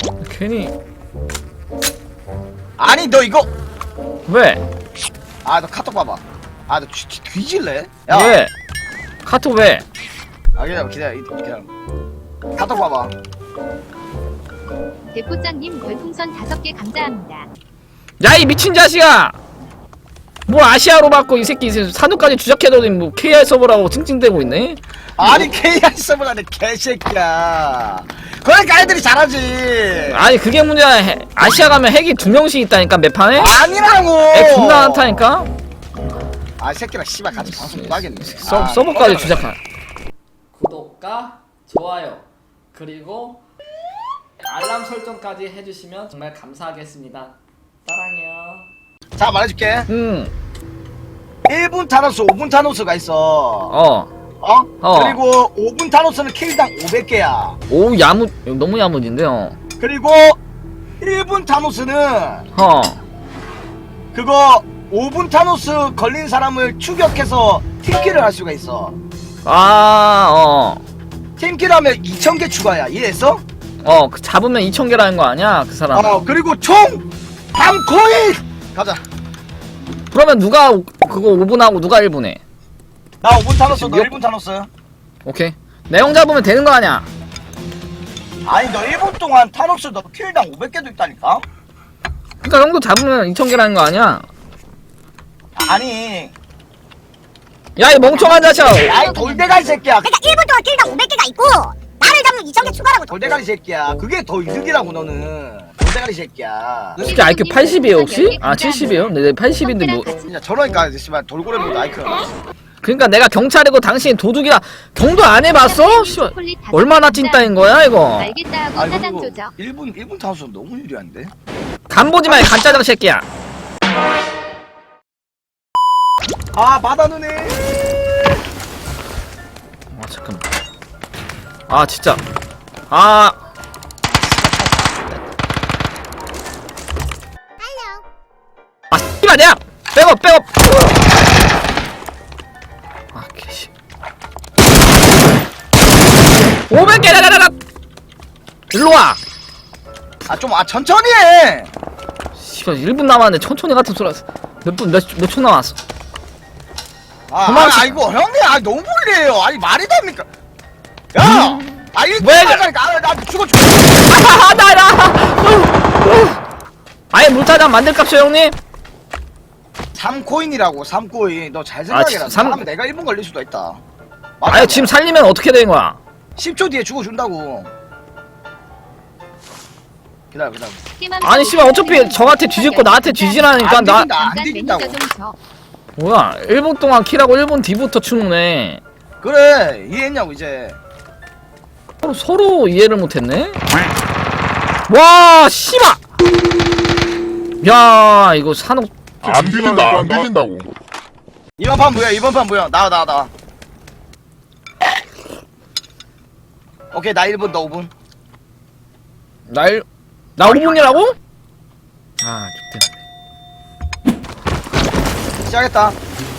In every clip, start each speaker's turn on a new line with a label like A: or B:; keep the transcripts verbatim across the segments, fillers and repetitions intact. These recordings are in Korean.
A: 괜히.
B: 아니 너 이거
A: 왜?
B: 아 너 카톡 봐봐. 아 너 뒤질래? 야.
A: 왜? 카톡 왜?
B: 아 기다려 기다려 기다려. 카톡 봐봐.
C: 대포장님 별풍선 다섯 개 감사합니다.
A: 야 이 미친 자식아! 뭘 아시아로 받고 이 새끼 산후까지 주작해더니 뭐 케이알 서버라고 찡찡대고 있네?
B: 아니 케이알 서버라는 개새끼야. 그러니까 애들이 잘하지.
A: 아니 그게 문제야. 해, 아시아 가면 핵이 두 명씩 있다니까 매 판에?
B: 아니라고.
A: 애 존나 많다니까?
B: 아 새끼랑 씨발 같이 방송 못 하겠네.
A: 서,
B: 아,
A: 서버까지 주작한. 구독과 좋아요 그리고 알람 설정까지 해주시면 정말 감사하겠습니다. 사랑해요.
B: 자 말해줄게.
A: 음.
B: 일 분 타노스, 오 분 타노스가 있어.
A: 어.
B: 어?
A: 어.
B: 그리고 오 분 타노스는 킬당 오백 개야.
A: 오 야무 너무 야무진데요.
B: 그리고 일 분 타노스는
A: 어.
B: 그거 오 분 타노스 걸린 사람을 추격해서 팀킬을 할 수가 있어.
A: 아 어.
B: 팀킬하면 이천 개 추가야. 이해했어?
A: 어, 그 잡으면 이천 개라는 거 아니야? 그 사람.
B: 어 그리고 총 삼 코인! 가자.
A: 그러면 누가 오- 그거 오 분 하고 누가 일 분 해?
B: 나 오 분 타노스, 너
A: 지금
B: 일 분 타노스.
A: 오케이. 내용 잡으면 되는 거 아니야?
B: 아니 너 일 분 동안 타노스 너 킬당 오백 개도 있다니까?
A: 그니까 형도 잡으면 이천 개라는 거 아니야?
B: 아니
A: 야, 이 멍청한 자식아!
B: 야이 돌대가리 새끼야.
D: 그러니까 일 분 동안 킬당 오백 개가 있고 나를 잡으면 이천 개 추가라고.
B: 돌대가리 새끼야. 그게 더 이득이라고 너는. 돌대가리 새끼야.
A: 진짜 아이큐 팔십이에요 혹시? 아 칠십이에요? 네, 팔십인데 뭐.
B: 진짜 저러니까 씨발 돌고래보다 아이크가
A: 그니까 내가 경찰이고 당신이 도둑이라 경도 안 해봤어? 씨발. 얼마나 찐따인 거야 이거?
C: 알겠다 하고
B: 아니
C: 사장
B: 그리고
C: 조져.
B: 일 분 일 분 타노스 너무 유리한데?
A: 간보지마 이 간짜장 새끼야.
B: 아 받아누네.
A: 아 잠깐만. 아 진짜. 아. 아 씨발 내가 백업 백업. 아 개씨. 오백 개 라라라라. 일로 와.
B: 아 좀 아 천천히 해.
A: 씨발 일 분 남았는데 천천히 같은 소리 했어. 몇분몇몇 초 남았어.
B: 아,
A: 도망치-
B: 아 아이고 형님 아 너무 불리해요. 아니 말이 됩니까? 야, 아 일 분
A: 왜
B: 하자니까 아나 죽어 죽어.
A: 아하 나라. 아예 물타장 만들 값이요 형님.
B: 삼 코인이라고 삼 코인. 너 잘
A: 아,
B: 생각해라.
A: 진- 삼-
B: 삼 내가 일 분 걸릴 수도 있다.
A: 아예 지금 살리면 어떻게 된 거야?
B: 십 초 뒤에 죽어준다고. 기다려 기다려.
A: 아니 씨발 어차피 저한테 뒤집고 나한테 뒤지라니까
B: 안
A: 나
B: 뒤진다 안 뒤진다고.
A: 뭐야 일 분 동안 킬하고 일 분 뒤부터 추노네.
B: 그래 이해했냐고 이제.
A: 서로, 서로 이해를 못했네. 와 씨발. 야 이거 산옥
E: 안 뒤진다 안 뒤진다고.
B: 이번 판 뭐야 이번 판 뭐야 나와 나와 나와. 오케이 나 일 분 너 오 분.
A: 날 나 오 분이라고? 아 좋대.
B: 시작했다.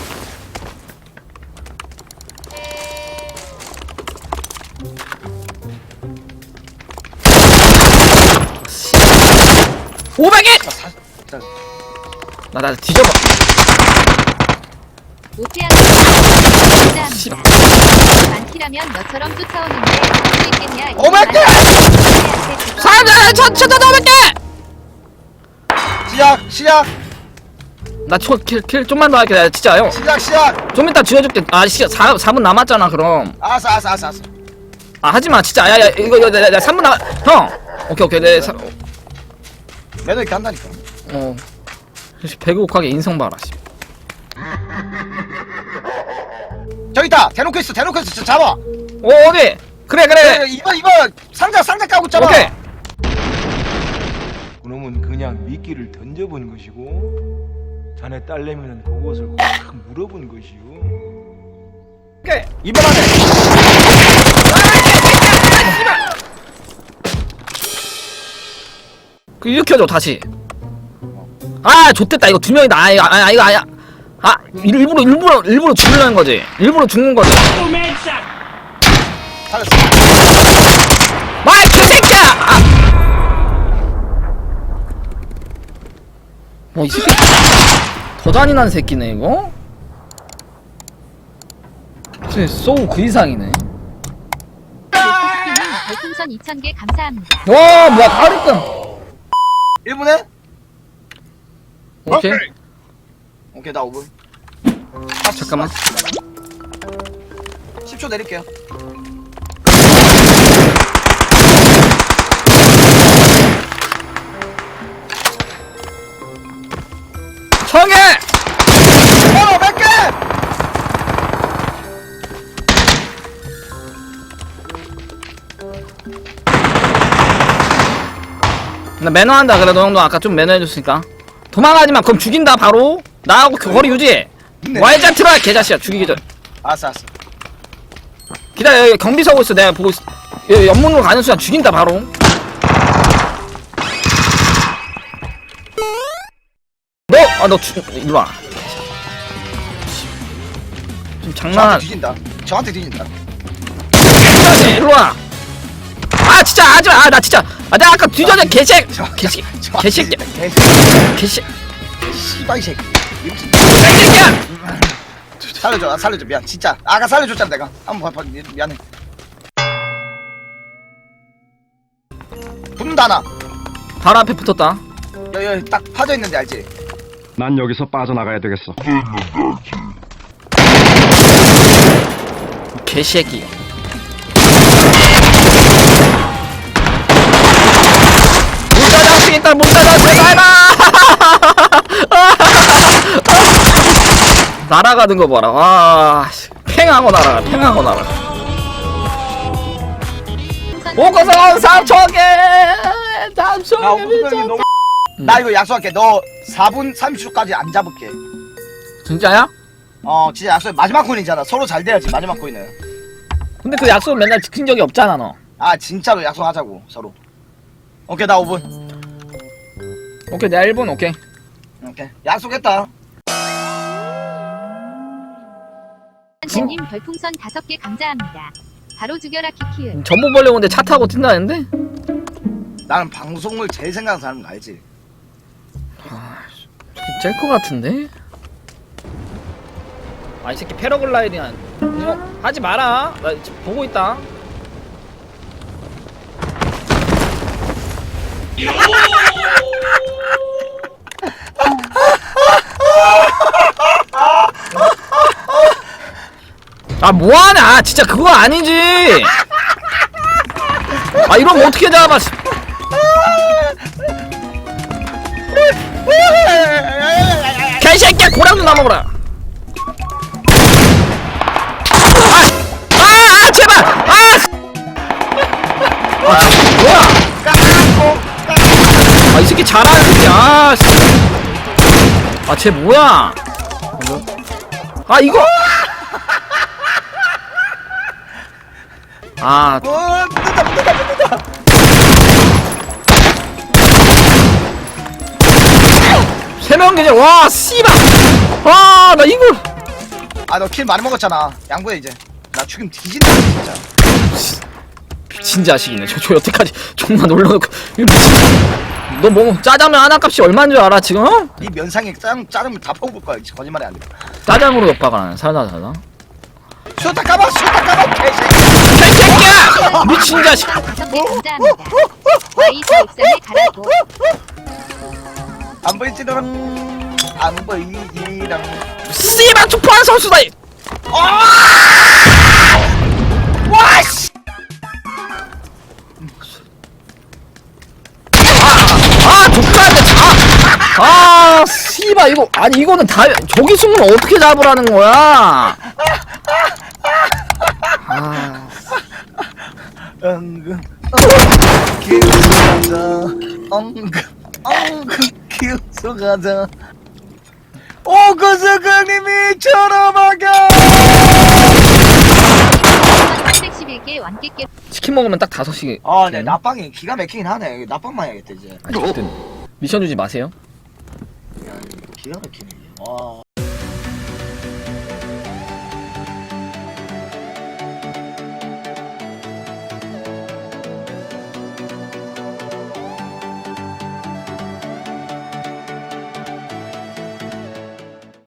A: 오백 개.
B: 자, 사, 자,
A: 나나 뒤져봐.
C: 오태양 감사합니다. 많기라면 너처럼 쫓아오는데 할수 있겠냐?
B: 오백 개!
A: 사자 천천천 오백 개.
B: 시작 시작
A: 나킬킬 좀만 더 할게. 나 진짜 형.
B: 시작 시작.
A: 좀 이따 지워줄게. 아 씨, 사, 사 분 남았잖아 그럼.
B: 알았어 알았어 알았어 알았어.
A: 아 하지마 진짜. 야야 이거 이거 나 삼 분 남아. 형. 오케이 오케이 내 사,
B: 매너 있게 한다니까.
A: 어. 배고프게 인성 봐라 씨.
B: 저기 있다. 대놓고 있어 대놓고 있어. 잡아.
A: 어 어디? 그래 그래 그래.
B: 그래, 이거 이거 상자 상자 까고 잡아.
A: 오케이.
F: 그놈은 그냥 미끼를 던져본 것이고 자네 딸내미는 그것을 확 물어본 것이요.
A: 오케이.
B: 이번 안에.
A: 그 일으켜줘 다시. 아 좋댔다 이거 두 명이다. 아 이거 아 이거 아야. 아 일부러 일부러 일부러 죽으려는 거지. 일부러 죽는 거지.
B: 살렸어.
A: 마이 개새끼야. 아. 어, 이 새끼 더 잔인한 새끼네 이거. 진짜 소우 그 이상이네.
C: 데스티님 별풍선 이천 개 감사합니다.
A: 와 뭐야 다 일 등.
B: 일 분에?
A: 오케이.
B: 오케이 나 오 분.
A: 잠깐만.
B: 십 초 내릴게요.
A: 청해.
B: 어, 몇 개?
A: 나 매너한다. 그래도 형도 아까 좀 매너해줬으니까. 도망가지마. 그럼 죽인다 바로. 나하고 그 거리 유지해.
B: 네.
A: 와이자 트라 개자식야. 죽이기 전.
B: 알았어, 알았어.
A: 기다려. 여기 경비 서고 있어. 내가 보고 있어. 여기 연문으로 가는 순간 죽인다 바로. 너! 아 너 죽.. 일로와. 좀
B: 저한테
A: 장난.
B: 뒤진다. 저한테 뒤진다.
A: 진짜지. 일로와. 아 진짜 하지마. 아 나 진짜. 아 내가 아까 뒤져서 개색. 개새끼. 개새끼. 개새.
B: 씨발 이 새끼. 이 무슨-
A: 개새끼야.
B: 살려줘, 아, 살려줘. 미안. 진짜. 아까 살려줬잖아 내가. 한번 봐, 봐. 미- 미안해. 붙는다 하나.
A: 바로 앞에 붙었다.
B: 여기, 여기 딱 파져 있는데 알지?
G: 난 여기서 빠져나가야 되겠어.
A: 개새끼. 문 닫아 쓰겠다. 문 닫아 제발. 날아가는 거 봐라. 와, 씨. 팽하고 날아가. 팽하고 날아가. 오고서 삼천 개. 삼천
B: 야,
A: 개
B: 오분이
A: 미쳤다.
B: 너무. 나 이거 약속할게. 너 사 분 삼십 초까지 안 잡을게.
A: 진짜야?
B: 어, 진짜 약속. 마지막 코인이잖아. 서로 잘 돼야지. 마지막 코인은.
A: 근데 그 약속은 맨날 지킨 적이 없잖아 너.
B: 아, 진짜로 약속하자고 서로. 오케이, 나 오 분.
A: 오케이 내가 일 분 오케이.
B: 오케이. 약속했다.
C: 한님 별풍선 다섯 개 감사합니다. 바로 죽여라 키키은.
A: 전부 벌려고 근데 차 타고 뛴다는데?
B: 나는 방송을 제일 생각하는 사람인 거 알지?
A: 짤것 같은데? 아 이 새끼 패러글라이딩 한 형 하지 마라. 나 지금 보고 있다. 아 뭐하냐. 진짜 그거 아니지. 아 이러면 어떻게 잡아. 개새끼야 고랑도 나먹어라. 아! 아! 아! 제발! 아! 아 뭐야? 아 이 새끼 잘하는 새끼. 아 씨. 아 쟤 뭐야? 아 이거 아
B: 어, 뜯다, 뜯다, 뜯다.
A: 세명 계절. 와 씨발. 아 나 이걸
B: 아, 너 킬 많이 먹었잖아. 양보해 이제. 나 죽임 뒤진다 진짜.
A: 미친 자식이네. 저, 저 여태까지 존나 놀려놓고 이거 미친. 너 뭐 짜장면 하나 값이 얼마인 줄 알아 지금? 어?
B: 네 면상에 짜장 짜장면 다 퍼볼 거야. 거짓말이 안 돼.
A: 짜장으로 옆박아 살다 살다.
B: 수다 까봐, 수다 까봐, 개새끼.
A: 개새끼야! 미친 자식.
C: 다섯 개 감사합니다. 와이즈 옥상에 가라고.
B: 안 보이지랑 안 보이지랑.
A: 씨발 투포한 선수다. 이.
B: 와 씨.
A: 아 족발인데 아, 아 씨발 이거 아니 이거는 다 저기 숨으면 어떻게 잡으라는 거야? 아
B: 엉금 엉금 기우가자 엉금 엉금 기우가자 오구수강님이 쳐다봐가.
C: 삼백십일 개 완깨깨.
A: 치킨 먹으면 딱 다섯씩.
B: 아, 네, 낮방이 기가 막히긴 하네. 낮방만 해야겠다 이제.
A: 아니, 미션 주지 마세요.
B: 기가 막히네. 와.